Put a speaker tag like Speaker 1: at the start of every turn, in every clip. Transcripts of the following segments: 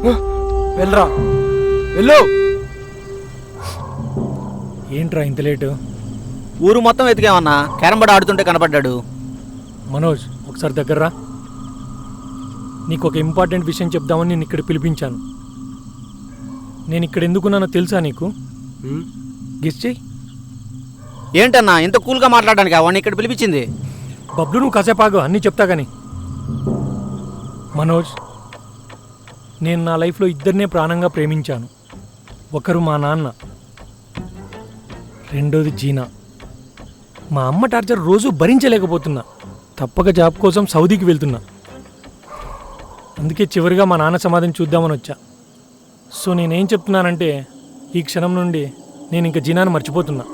Speaker 1: వెళ్ళరా వెళ్ళు.
Speaker 2: ఏంట్రా ఇంత లేటు?
Speaker 1: ఊరు మొత్తం వెతికామన్నా, క్యారం బోర్డ్ ఆడుతుంటే కనపడ్డాడు.
Speaker 2: మనోజ్ ఒకసారి దగ్గర్రా. నీకు ఒక ఇంపార్టెంట్ విషయం చెప్దామని నేను ఇక్కడ పిలిపించాను. నేను ఇక్కడ ఎందుకున్నానో తెలుసా నీకు? గెస్ చెయ్యి.
Speaker 1: ఏంటన్నా ఇంత కూల్గా మాట్లాడడానికి వాడిని ఇక్కడ పిలిపించింది?
Speaker 2: బబ్లు నువ్వు కాసేపాగు, అన్నీ చెప్తా కానీ. మనోజ్, నేను నా లైఫ్లో ఇద్దరినే ప్రాణంగా ప్రేమించాను. ఒకరు మా నాన్న, రెండోది జీనా. మా అమ్మ టార్చర్ రోజు భరించలేకపోతున్నా. తప్పక జాబ్ కోసం సౌదీకి వెళ్తున్నా. అందుకే చివరిగా మా నాన్న సమాధిని చూద్దామని వచ్చా. సో నేనేం చెప్తున్నానంటే, ఈ క్షణం నుండి నేను ఇంక జీనాను మర్చిపోతున్నా.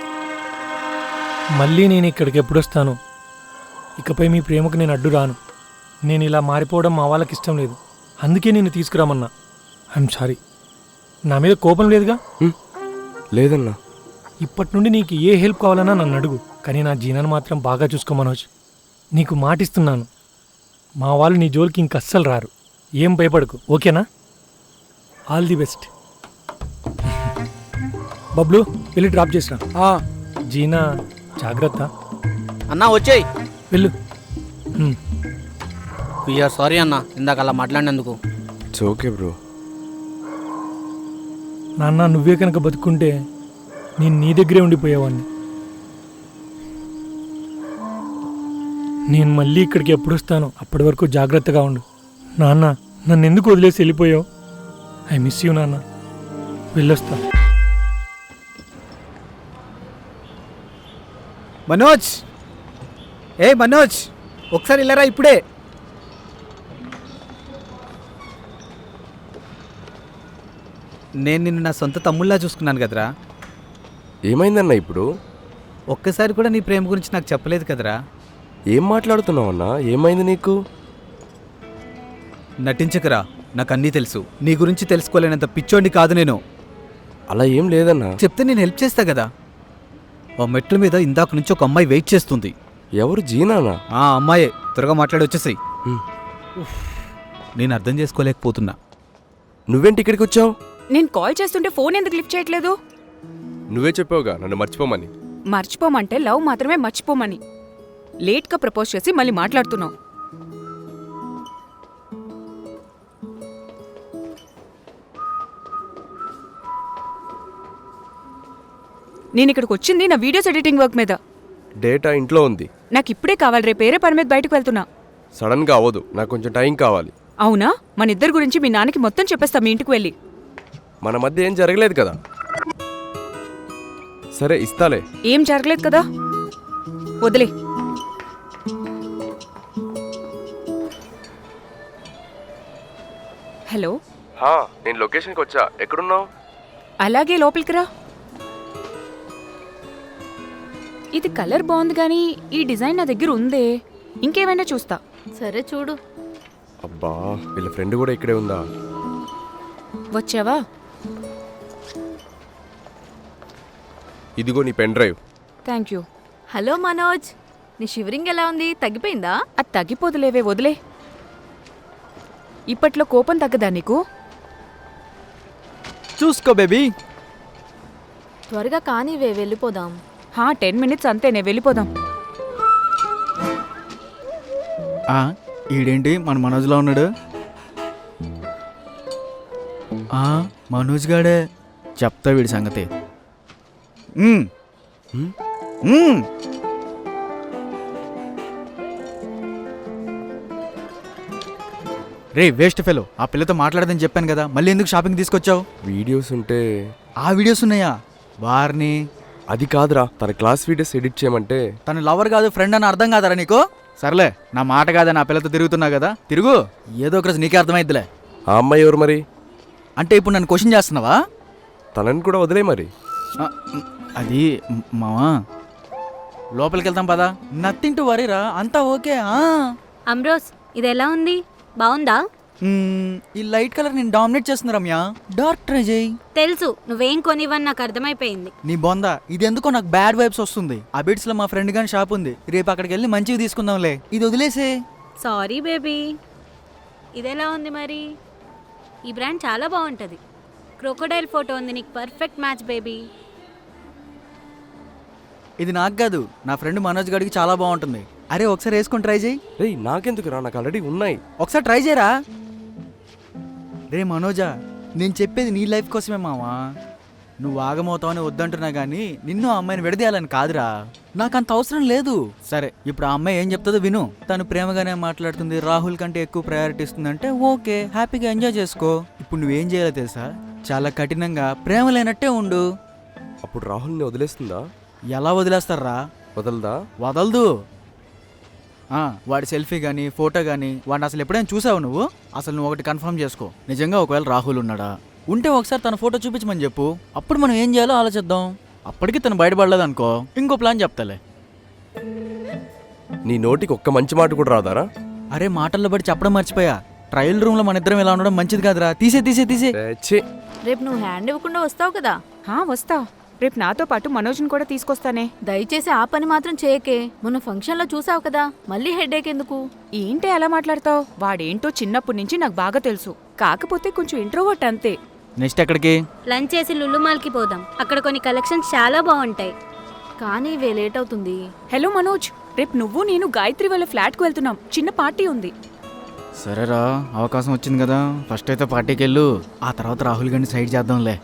Speaker 2: మళ్ళీ నేను ఇక్కడికి ఎప్పుడొస్తాను? ఇకపై మీ ప్రేమకు నేను అడ్డు రాను. నేను ఇలా మారిపోవడం మా వాళ్ళకి ఇష్టం లేదు. అందుకే నేను తీసుకురామన్నా. I'm sorry. నా మీద కోపం లేదుగా?
Speaker 3: లేదన్నా.
Speaker 2: ఇప్పటి నుండి నీకు ఏ హెల్ప్ కావాలన్నా నన్ను అడుగు. కానీ నా జీనాను మాత్రం బాగా చూసుకో మనోజ్. నీకు మాటిస్తున్నాను, మా వాళ్ళు నీ జోలికి ఇంక అస్సలు రారు. ఏం భయపడకు, ఓకేనా? All the best. బబ్లు వెళ్ళి డ్రాప్ చేసిరా. జీనా జాగ్రత్త.
Speaker 1: అన్నా వచ్చేయ్.
Speaker 2: వెళ్ళు.
Speaker 1: వీఆర్ సారీ అన్నా, ఇందాక అలా మాట్లాడినందుకు.
Speaker 3: It's okay bro.
Speaker 2: నాన్న, నువ్వే కనుక బతుకుంటే నేను నీ దగ్గరే ఉండిపోయేవాడిని. నేను మళ్ళీ ఇక్కడికి ఎప్పుడు వస్తానో అప్పటి వరకు జాగ్రత్తగా ఉండు. నాన్న, నన్ను ఎందుకు వదిలేసి వెళ్ళిపోయావు? ఐ మిస్ యూ నాన్న. వెళ్ళొస్తా.
Speaker 4: మనోజ్, ఏ మనోజ్, ఒకసారి వెళ్ళరా ఇప్పుడే. నేను నిన్ను నా సొంత తమ్ముళ్ళా చూసుకున్నాను కదరా.
Speaker 3: ఏమైందన్నా ఇప్పుడు?
Speaker 4: ఒక్కసారి కూడా నీ ప్రేమ గురించి నాకు చెప్పలేదు కదరా.
Speaker 3: ఏం మాట్లాడుతున్నావన్నా? ఏమైంది నీకు?
Speaker 4: నటించకరా, నాకు అన్నీ తెలుసు. నీ గురించి తెలుసుకోలేనంత పిచ్చోండి కాదు నేను.
Speaker 3: అలా ఏం లేదన్నా.
Speaker 4: చెప్తే నేను హెల్ప్ చేస్తా కదా. ఆ మెట్ల మీద ఇందాక నుంచి ఒక అమ్మాయి వెయిట్ చేస్తుంది.
Speaker 3: ఎవరు? జీనానా?
Speaker 4: ఆ అమ్మాయే. త్వరగా మాట్లాడి వచ్చేసాయి. నేను అర్థం చేసుకోలేకపోతున్నా.
Speaker 3: నువ్వేంటి ఇక్కడికి వచ్చావు?
Speaker 5: నేను కాల్ చేస్తుంటే ఫోన్ ఎందుకు లిఫ్ట్ చేయట్లేదు?
Speaker 3: నువ్వే చెప్పావుగా నన్ను మర్చిపోమని.
Speaker 5: మర్చిపోమంటే లవ్ మాత్రమే మర్చిపోమని. లేట్గా ప్రపోజ్ చేసి మళ్ళీ మాట్లాడుతున్నావు. నేను ఇక్కడికి వచ్చింది నా వీడియోస్ ఎడిటింగ్ వర్క్ మీద.
Speaker 3: డేటా ఇంట్లో ఉంది.
Speaker 5: నాకు ఇప్పుడే కావాలి. రేపు వేరే పని మీద బయటకు వెళ్తున్నా.
Speaker 3: సడన్గా అవ్వదు, నాకు కొంచెం టైం కావాలి.
Speaker 5: అవునా? మన ఇద్దరి గురించి మీ నాన్నకి మొత్తం చెప్పేస్తా మీ ఇంటికి వెళ్ళి.
Speaker 3: మన మధ్య ఏం జరగలేదు కదా. సరే ఇస్తాలే.
Speaker 5: ఏం జరగలేదు కదా, వదిలే. హలో,
Speaker 3: నేను లొకేషన్కి వచ్చా. ఎక్కడున్నావు?
Speaker 5: అలాగే లోపలికి రా. ఇది కలర్ బాగుంది కానీ ఈ డిజైన్ నా దగ్గర ఉందే. ఇంకేమైనా చూస్తా.
Speaker 6: సరే చూడు.
Speaker 3: అబ్బా, వీళ్ళ ఫ్రెండ్ కూడా ఇక్కడే ఉందా?
Speaker 5: వచ్చావా?
Speaker 3: ఇదిగో నీ pen drive.
Speaker 5: Thank you.
Speaker 6: Hello Manoj, నీ షివరింగ్ ఎలా ఉంది? తగ్గిపోయిందా?
Speaker 5: అది తగ్గిపోదులేవే, వదిలే. ఇప్పట్లో కోపం తగ్గదా నీకు?
Speaker 4: చూసుకో బేబీ.
Speaker 6: త్వరగా కానివే, వెళ్ళిపోదాం.
Speaker 5: 10 minutes అంతేనే, వెళ్ళిపోదాం.
Speaker 4: ఈడేంటి మన మనోజ్లో ఉన్నాడు? మనోజ్ గాడే. చెప్తా వీడి సంగతి. రే వేస్ట్ ఫెలో, ఆ పిల్లతో మాట్లాడదని చెప్పాను కదా, మళ్ళీ ఎందుకు షాపింగ్ తీసుకొచ్చావు?
Speaker 3: వీడియోస్ ఉంటే.
Speaker 4: ఆ వీడియోస్ ఉన్నాయా? వారిని.
Speaker 3: అది కాదురా, తన క్లాస్ వీడియోస్ ఎడిట్ చేయమంటే.
Speaker 4: తన లవర్ కాదు ఫ్రెండ్ అని అర్థం కాదరా నీకు? సర్లే, నా మాట కాదని ఆ పిల్లతో తిరుగుతున్నావు కదా, తిరుగు. ఏదో ఒక రోజు నీకే అర్థమైద్దిలే.
Speaker 3: ఆ అమ్మాయి ఎవరు మరి?
Speaker 4: అంటే ఇప్పుడు నన్ను క్వశ్చన్ చేస్తున్నావా?
Speaker 3: తనని కూడా వదిలే మరి.
Speaker 4: అది మావా, లోపలికి వెళ్తాం పదా. నథింగ్ టు వరీరా, అంతా ఓకే.
Speaker 7: అమ్రోస్, ఇది ఎలా ఉంది? బాగుందా?
Speaker 4: ఈ లైట్ కలర్ నేను డామినేట్ చేస్తున్నా రమ్య. డార్క్ ట్రై చేయి.
Speaker 7: తెలుసు, నువ్వేం కొనివని నాకు అర్థమైపోయింది.
Speaker 4: నీ బొందా, ఇది ఎందుకో నాకు బ్యాడ్ వైబ్స్ వస్తుంది. ఆ బిట్స్ లో మా ఫ్రెండ్ గాని షాప్ ఉంది, రేపు అక్కడికి వెళ్ళి మంచివి తీసుకుందాంలే. ఇది వదిలేసే.
Speaker 7: Sorry baby. ఇదెలా ఉంది మరి? ఈ బ్రాండ్ చాలా బాగుంటుంది. క్రోకోడైల్ ఫోటో ఉంది, నీకు పర్ఫెక్ట్ మ్యాచ్ బేబీ.
Speaker 4: ఇది నాకు కాదు, నా ఫ్రెండ్ మనోజ్ గడికి చాలా బాగుంటుంది. అరే ఒకసారి వేసుకొని ట్రై చేయి.
Speaker 3: రేయ్ నాకెందుకురా, నాకు ఆల్రెడీ ఉన్నాయి.
Speaker 4: ఒకసారి ట్రై చేయరా. రే మనోజా, నేను చెప్పేది నీ లైఫ్ కోసమే మావా. నువ్వు ఆగమవుతావని వద్దంటున్నా కానీ నిన్ను ఆ అమ్మాయిని విడదీయాలని కాదురా. నాకు అంత అవసరం లేదు. సరే ఇప్పుడు ఆ అమ్మాయి ఏం చెప్తుందో విను. తను ప్రేమగానే మాట్లాడుతుంది, రాహుల్ కంటే ఎక్కువ ప్రయారిటీ ఇస్తుందంటే ఓకే, హ్యాపీగా ఎంజాయ్ చేసుకో. ఇప్పుడు నువ్వేం చేయాలో తెలుసా? చాలా కఠినంగా ప్రేమ లేనట్టే ఉండు.
Speaker 3: అప్పుడు రాహుల్ని వదిలేస్తుందా?
Speaker 4: ఎలా వదిలేస్తారా?
Speaker 3: వదలదా?
Speaker 4: వదలదు. వాడి సెల్ఫీ కానీ ఫోటో కానీ వాడిని అసలు ఎప్పుడైనా చూసావు నువ్వు? అసలు నువ్వు ఒకటి కన్ఫర్మ్ చేసుకో, నిజంగా ఒకవేళ రాహుల్ ఉన్నాడా ఉంటే ఒకసారి తన ఫోటో చూపించమని చెప్పు. అప్పుడు మనం ఏం చేయాలో ఆలోచిద్దాం. అప్పటికి తను బయటపడలేదు అనుకో, ఇంకో ప్లాన్ చెప్తాలే.
Speaker 3: నీ నోటికి ఒక్క మంచి మాట కూడా రాదారా?
Speaker 4: అరే మాటల్లో బట్టి చెప్పడం మర్చిపోయా. ట్రయల్ రూమ్లో మన ఇద్దరం ఇలా ఉండడం మంచిది కాదురా. తీసే తీసే తీసే.
Speaker 3: ఛీ.
Speaker 6: రేపు నువ్వు హ్యాండ్ ఇవ్వకుండా వస్తావు కదా.
Speaker 5: వస్తా. రేపు నాతో పాటు మనోజ్ని కూడా తీసుకొస్తానే.
Speaker 6: దయచేసి ఆ పని మాత్రం చేయకే. మొన్న ఫంక్షన్లో చూసావు కదా, మళ్ళీ హెడేక్ ఎందుకు?
Speaker 5: ఏంటి అలా మాట్లాడతావు? వాడేంటో చిన్నప్పటి నుంచి నాకు బాగా తెలుసు. కాకపోతే కొంచెం ఇంట్రోవర్ట్ అంతే.
Speaker 4: నెక్స్ట్ ఎక్కడికి?
Speaker 7: లంచ్ చేసి లుల్లు మాల్కి పోదాం, అక్కడ కొన్ని కలెక్షన్స్ చాలా బాగుంటాయి.
Speaker 6: కానీ ఇవే లేట్ అవుతుంది.
Speaker 5: హలో మనోజ్, రేపు నువ్వు నేను గాయత్రి వాళ్ళ ఫ్లాట్కి వెళ్తున్నాం. చిన్న పార్టీ ఉంది.
Speaker 4: సరేరా, అవకాశం వచ్చింది కదా, ఫస్ట్ అయితే పార్టీకి వెళ్ళు. ఆ తర్వాత రాహుల్ గారిని సైడ్ చేద్దాంలే.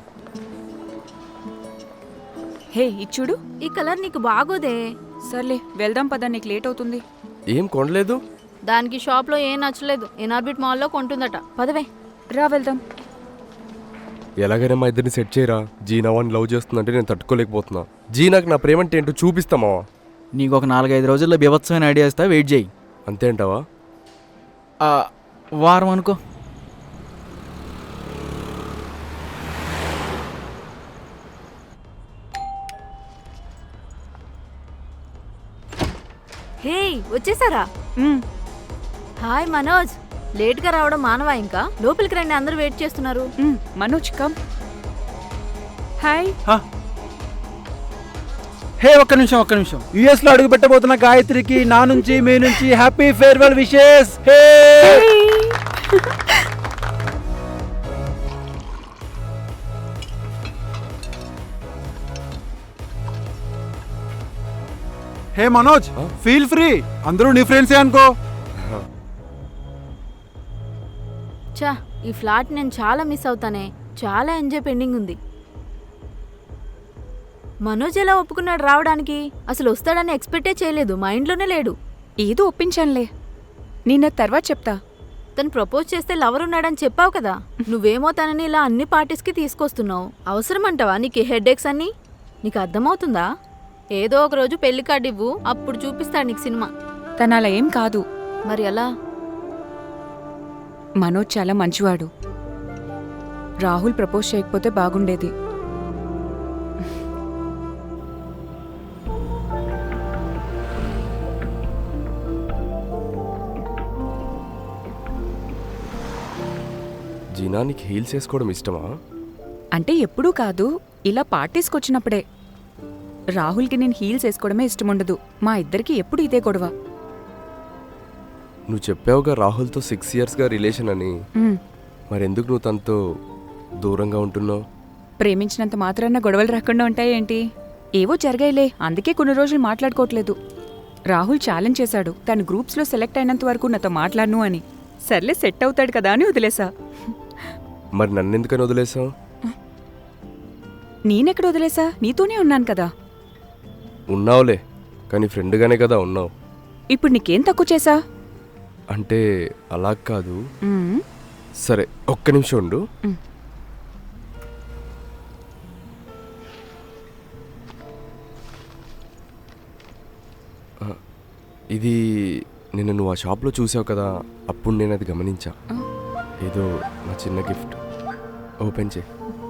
Speaker 5: హే ఇచ్చుడు.
Speaker 6: ఈ కలర్ నీకు బాగోదే.
Speaker 5: సర్లే వెళ్దాం పద, నీకు లేట్ అవుతుంది.
Speaker 3: ఏం కొనలేదు?
Speaker 6: దానికి షాప్లో ఏం నచ్చలేదు, ఎన్ఆర్బిట్ మాల్లో కొంటుందట. పదవే.
Speaker 5: రా వెళ్దాం.
Speaker 3: ఎలాగైనా మా ఇద్దరిని సెట్ చేయరా. జీనా వాడిని లవ్ చేస్తుందంటే నేను తట్టుకోలేకపోతున్నా. జీనాకు నా ప్రేమంటే ఏంటో చూపిస్తామా?
Speaker 4: నీకు ఒక 4-5 రోజుల్లో బీభత్సమైన ఐడియా ఇస్తా, వెయిట్ చేయి.
Speaker 3: అంతే అంటావా?
Speaker 4: వారం అనుకో.
Speaker 6: హే వచ్చేసారా? హాయ్ మనోజ్, లేట్గా రావడం మానవా? ఇంకా లోపలికి రండి, అందరూ వెయిట్ చేస్తున్నారు.
Speaker 5: మనోజ్ కమ్. హాయ్.
Speaker 8: హే ఒక్క నిమిషం. యుఎస్ లో అడుగు పెట్టబోతున్న గాయత్రికి నా నుంచి మీ నుంచి happy farewell wishes. Hey hey Manoj, feel free. అందరూ నీ ఫ్రెండ్సే అనుకో.
Speaker 6: చా, ఈ ఫ్లాట్ నేను చాలా మిస్ అవుతానే. చాలా ఎంజాయ్ పెండింగ్ ఉంది. మనోజ్ ఎలా ఒప్పుకున్నాడు రావడానికి? అసలు వస్తాడని ఎక్స్పెక్టే చేయలేదు, మైండ్లోనే లేడు.
Speaker 5: ఏదో ఒప్పించానులే, నిన్న తర్వాత చెప్తా.
Speaker 6: తను ప్రపోజ్ చేస్తే లవర్ ఉన్నాడని చెప్పావు కదా. నువ్వేమో తనని ఇలా అన్ని పార్టీస్కి తీసుకొస్తున్నావు. అవసరమంటావా నీకు హెడ్ఏక్స్ అన్ని? నీకు అర్థమవుతుందా? ఏదో ఒక రోజు పెళ్లి కార్డు ఇవ్వు, అప్పుడు చూపిస్తాడు నీకు సినిమా.
Speaker 5: తను అలా ఏం కాదు.
Speaker 6: మరి ఎలా?
Speaker 5: మనోజ్ చాలా మంచివాడు. రాహుల్ ప్రపోజ్ చేయకపోతే బాగుండేది.
Speaker 3: జీనా నీకు హీల్స్ వేసుకోవడం ఇష్టమా?
Speaker 5: అంటే ఎప్పుడూ కాదు, ఇలా పార్టీస్కి వచ్చినప్పుడే. రాహుల్కి నేను హీల్స్ వేసుకోవడమే ఇష్టముండదు. మా ఇద్దరికి ఎప్పుడు ఇదే గొడవ.
Speaker 3: నువ్వు చెప్పావుగా రాహుల్తో 6 yearsగా రిలేషన్ అని. మరెందుకు నువ్వు తనతో దూరంగా ఉంటున్నావు?
Speaker 5: ప్రేమించినంత మాత్రాన గొడవలు రాకుండా ఉంటాయేంటి? ఏవో జరిగాయిలే, అందుకే కొన్ని రోజులు మాట్లాడుకోవట్లేదు. రాహుల్ ఛాలెంజ్ చేశాడు, తను గ్రూప్స్లో సెలెక్ట్ అయినంత వరకు నాతో మాట్లాడను అని. సర్లే సెట్ అవుతాడు కదా అని వదిలేసా.
Speaker 3: మరి నన్నెందుకని వదిలేసావు?
Speaker 5: నేనెక్కడ వదిలేసా? నీతోనే ఉన్నాను కదా.
Speaker 3: ఉన్నావులే, కానీ ఫ్రెండ్గానే కదా ఉన్నావు.
Speaker 5: ఇప్పుడు నీకేం తక్కువ చేసా?
Speaker 3: అంటే అలా కాదు. సరే ఒక్క నిమిషం ఉండు. ఇది నిన్న నువ్వు ఆ షాప్లో చూసావు కదా, అప్పుడు నేను అది గమనించా. ఏదో నా చిన్న గిఫ్ట్. ఓపెన్ చేయి.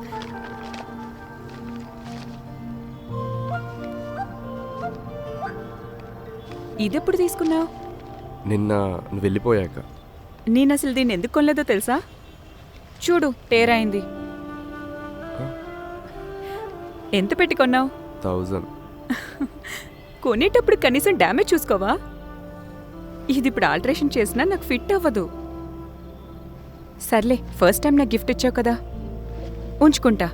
Speaker 5: ఇదెప్పుడు తీసుకున్నావు?
Speaker 3: నిన్న నువ్వు వెళ్ళిపోయాక.
Speaker 5: నేను అసలు దీన్ని ఎందుకు కొనలేదో తెలుసా? చూడు టేరైంది. ఎంత పెట్టి కొన్నావు?
Speaker 3: 1000.
Speaker 5: కొనేటప్పుడు కనీసం డ్యామేజ్ చూసుకోవా? ఇది ఇప్పుడు ఆల్టరేషన్ చేసినా నాకు ఫిట్ అవ్వదు. సర్లే ఫస్ట్ టైం నాకు గిఫ్ట్ ఇచ్చావు కదా, ఉంచుకుంటా.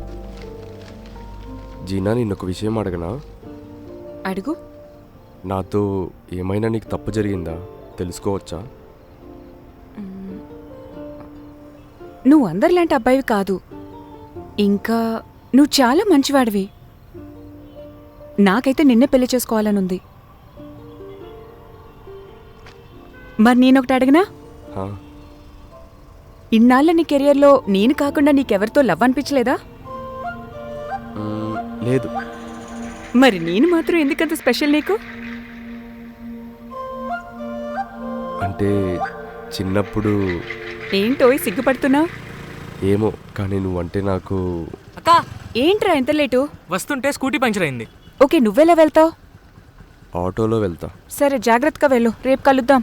Speaker 3: జీనా నిన్నొక విషయం అడగనా?
Speaker 5: అడుగు.
Speaker 3: నాతో ఏమైనా నీకు తప్పు జరిగిందా తెలుసుకోవచ్చా?
Speaker 5: నువ్వు అందరిలాంటి అబ్బాయివి కాదు, ఇంకా నువ్వు చాలా మంచివాడివి. నాకైతే నిన్నే పెళ్లి చేసుకోవాలనుంది. మరి నేనొకటి అడిగినా?
Speaker 3: హా,
Speaker 5: ఇన్నాళ్ళ నీ కెరియర్లో నేను కాకుండా నీకెవరితో లవ్ అనిపించలేదా?
Speaker 3: లేదు.
Speaker 5: మరి నేను మాత్రం ఎందుకంత స్పెషల్ నీకు?
Speaker 3: అంటే చిన్నప్పుడు
Speaker 5: ఏంటో సిగ్గుపడుతున్నావు?
Speaker 3: ఏమో కానీ నువ్వంటే నాకు
Speaker 2: అక్క
Speaker 5: ఏంట్రా ఎంత లేటు?
Speaker 2: వస్తుంటే స్కూటీ పంచర్ అయింది.
Speaker 5: ఓకే, నువ్వెలా వెళ్తావు?
Speaker 3: ఆటోలో వెళ్తా.
Speaker 5: సరే జాగ్రత్తగా వెళ్ళు, రేపు కలుద్దాం.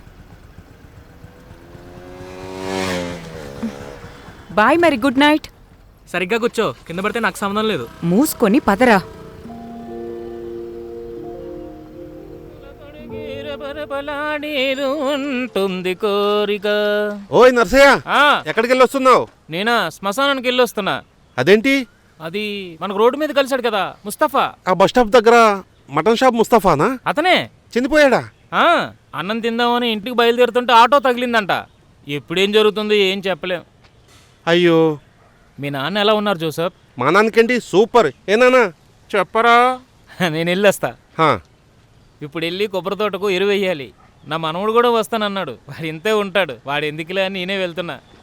Speaker 5: బాయ్ మరి, గుడ్ నైట్.
Speaker 2: సరిగ్గా కూర్చో, కింద పడితే నాకు సంబంధం లేదు.
Speaker 5: మూసుకొని పదరా.
Speaker 9: ఉంటుంది కోరిక.
Speaker 8: ఓయ్ నర్సయ్య,
Speaker 9: ఆ,
Speaker 8: ఎక్కడికి వెళ్ళి వస్తున్నావు?
Speaker 9: నేనా శ్మశానానికి వెళ్ళి వస్తున్నా.
Speaker 8: అదేంటి?
Speaker 9: అది మనకు రోడ్డు మీద కలిశాడు కదా ముస్తఫా,
Speaker 8: ఆ బస్ స్టాప్ దగ్గర మటన్ షాప్ ముస్తఫానా?
Speaker 9: అతనే.
Speaker 8: చనిపోయాడా?
Speaker 9: ఆ, అన్నం తిందామని ఇంటికి బయలుదేరుతుంటే ఆటో తగిలిందంట. ఎప్పుడేం జరుగుతుంది ఏం చెప్పలేం.
Speaker 8: అయ్యో,
Speaker 9: మీ నాన్న ఎలా ఉన్నారు జోసఫ్?
Speaker 8: మా నాన్నకేంటి సూపర్. ఏనానా
Speaker 9: చెప్పరా. నేను వెళ్ళొస్తా.
Speaker 8: హా,
Speaker 9: ఇప్పుడు వెళ్ళి కొబ్బరి తోటకు ఎరువు వేయాలి. నా మనవడు కూడా వస్తానన్నాడు. వాడు ఇంతే ఉంటాడు. వాడు ఎందుకులే అని నేనే వెళ్తున్నా.